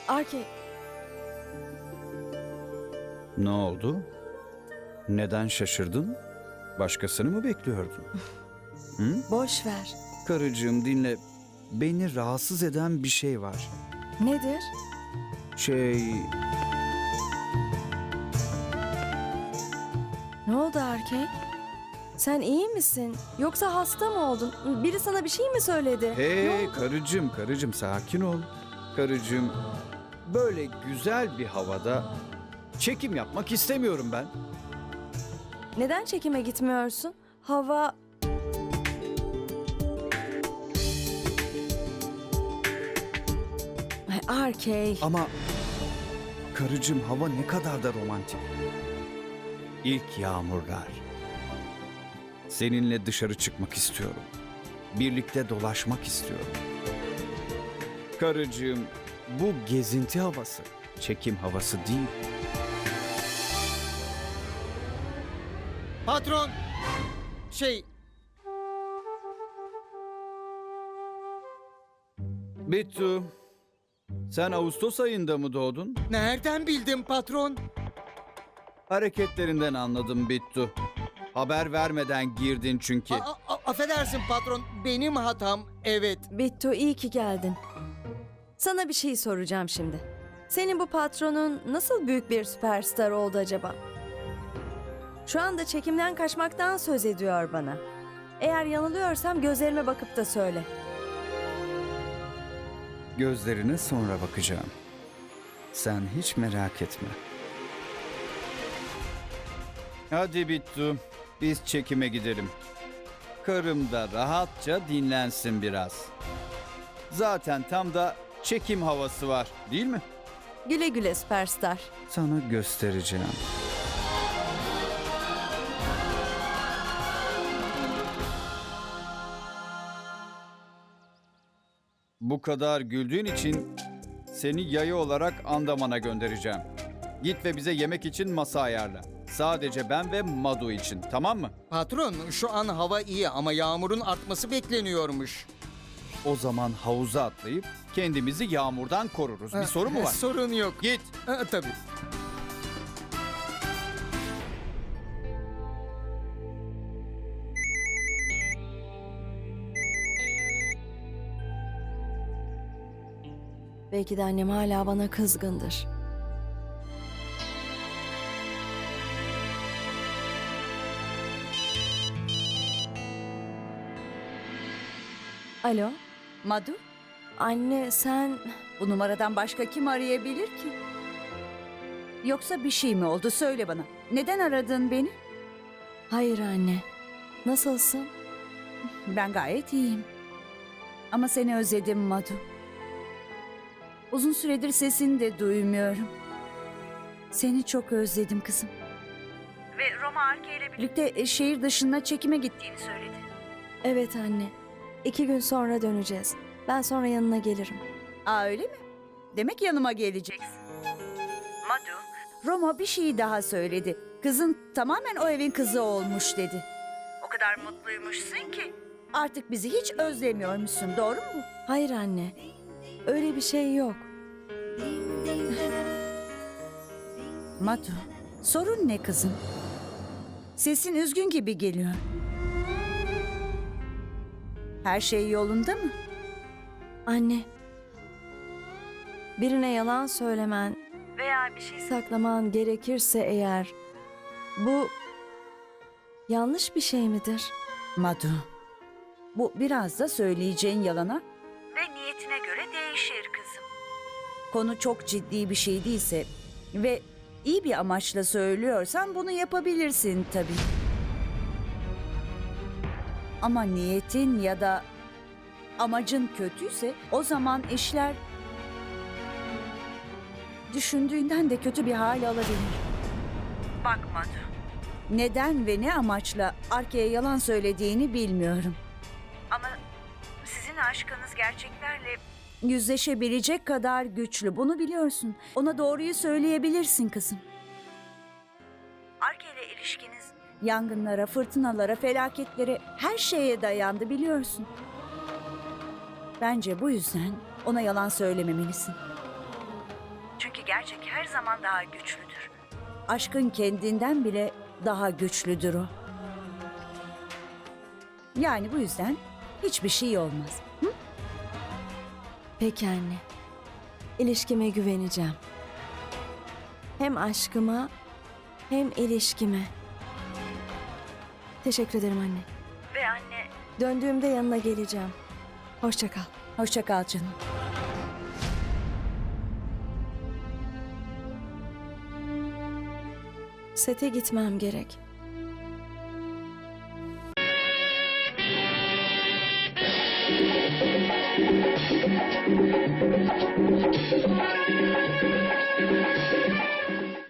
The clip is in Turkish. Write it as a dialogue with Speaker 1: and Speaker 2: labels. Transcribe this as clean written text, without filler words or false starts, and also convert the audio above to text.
Speaker 1: Arke,
Speaker 2: Ne oldu? Neden şaşırdın? Başkasını mı bekliyordun?
Speaker 1: boş ver.
Speaker 2: Karıcığım dinle. Beni rahatsız eden bir şey var.
Speaker 1: Nedir? Ne oldu Arke? Sen iyi misin? Yoksa hasta mı oldun? Biri sana bir şey mi söyledi? Ne
Speaker 2: Hey
Speaker 1: oldu?
Speaker 2: karıcığım sakin ol. Karıcığım, böyle güzel bir havada çekim yapmak istemiyorum ben.
Speaker 1: Neden çekime gitmiyorsun? Hava... Ay, Arke,
Speaker 2: Ama karıcığım, hava ne kadar da romantik. İlk yağmurlar. Seninle dışarı çıkmak istiyorum. Birlikte dolaşmak istiyorum. Karıcığım, bu gezinti havası, çekim havası değil.
Speaker 3: Patron! Şey,
Speaker 2: Bittu, sen Ağustos ayında mı doğdun?
Speaker 3: nereden bildin patron?
Speaker 2: Hareketlerinden anladım Bittu. Haber vermeden girdin çünkü.
Speaker 3: Affedersin patron, benim hatam, evet.
Speaker 1: Bittu iyi ki geldin. Sana bir şey soracağım şimdi. Senin bu patronun nasıl büyük bir süperstar oldu acaba? Şu anda çekimden kaçmaktan söz ediyor bana. Eğer yanılıyorsam gözlerime bakıp da söyle.
Speaker 2: Gözlerine sonra bakacağım. Sen hiç merak etme. Hadi Bittu, biz çekime gidelim. Karım da rahatça dinlensin biraz. Zaten tam da çekim havası var, değil mi?
Speaker 1: Güle güle süperstar.
Speaker 2: Sana göstereceğim. Bu kadar güldüğün için seni yayı olarak Andaman'a göndereceğim. Git ve bize yemek için masa ayarla. Sadece ben ve Madu için, tamam mı?
Speaker 3: Patron, şu an hava iyi ama yağmurun artması bekleniyormuş.
Speaker 2: O zaman havuza atlayıp kendimizi yağmurdan koruruz. Bir sorun mu var?
Speaker 3: Sorun yok.
Speaker 2: Git.
Speaker 3: Tabii.
Speaker 1: Belki de annem hala bana kızgındır. Alo,
Speaker 4: Madu,
Speaker 1: anne sen...
Speaker 4: bu numaradan başka kim arayabilir ki? Yoksa bir şey mi oldu? Söyle bana. Neden aradın beni?
Speaker 1: Hayır anne, nasılsın?
Speaker 4: Ben gayet iyiyim. Ama seni özledim Madu. Uzun süredir sesini de duymuyorum. Seni çok özledim kızım. Ve Roma Arke ile birlikte şehir dışına çekime gittiğini söyledi.
Speaker 1: Evet anne, 2 gün sonra döneceğiz. Ben sonra yanına gelirim.
Speaker 4: Aa öyle mi? Demek yanıma geleceksin. Madu, Roma bir şey daha söyledi. Kızın tamamen o evin kızı olmuş dedi. O kadar mutluymuşsun ki. Artık bizi hiç özlemiyormuşsun, doğru mu?
Speaker 1: Hayır anne, öyle bir şey yok.
Speaker 4: Madu, sorun ne kızım? Sesin üzgün gibi geliyor. Her şey yolunda mı?
Speaker 1: Anne, birine yalan söylemen veya bir şey saklaman gerekirse eğer, bu yanlış bir şey midir?
Speaker 4: Madu, bu biraz da söyleyeceğin yalana ve niyetine göre değişir kızım. Konu çok ciddi bir şey değilse ve iyi bir amaçla söylüyorsan bunu yapabilirsin tabii. Ama niyetin ya da amacın kötüyse o zaman işler düşündüğünden de kötü bir hal alabilir. Bak Madu. Neden ve ne amaçla Arke'ye yalan söylediğini bilmiyorum. Ama sizin aşkınız gerçeklerle yüzleşebilecek kadar güçlü. Bunu biliyorsun. Ona doğruyu söyleyebilirsin kızım. Arke ile ilişkiniz yangınlara, fırtınalara, felaketlere, her şeye dayandı biliyorsun. Bence bu yüzden ona yalan söylememelisin. gerçek her zaman daha güçlüdür. Aşkın kendinden bile daha güçlüdür o. Yani bu yüzden hiçbir şey olmaz. Hı?
Speaker 1: Peki anne. İlişkime güveneceğim. Hem aşkıma hem ilişkime. Teşekkür ederim anne.
Speaker 4: Ve anne...
Speaker 1: Döndüğümde yanına geleceğim. Hoşça kal.
Speaker 4: Hoşça kal canım.
Speaker 1: Sete gitmem gerek.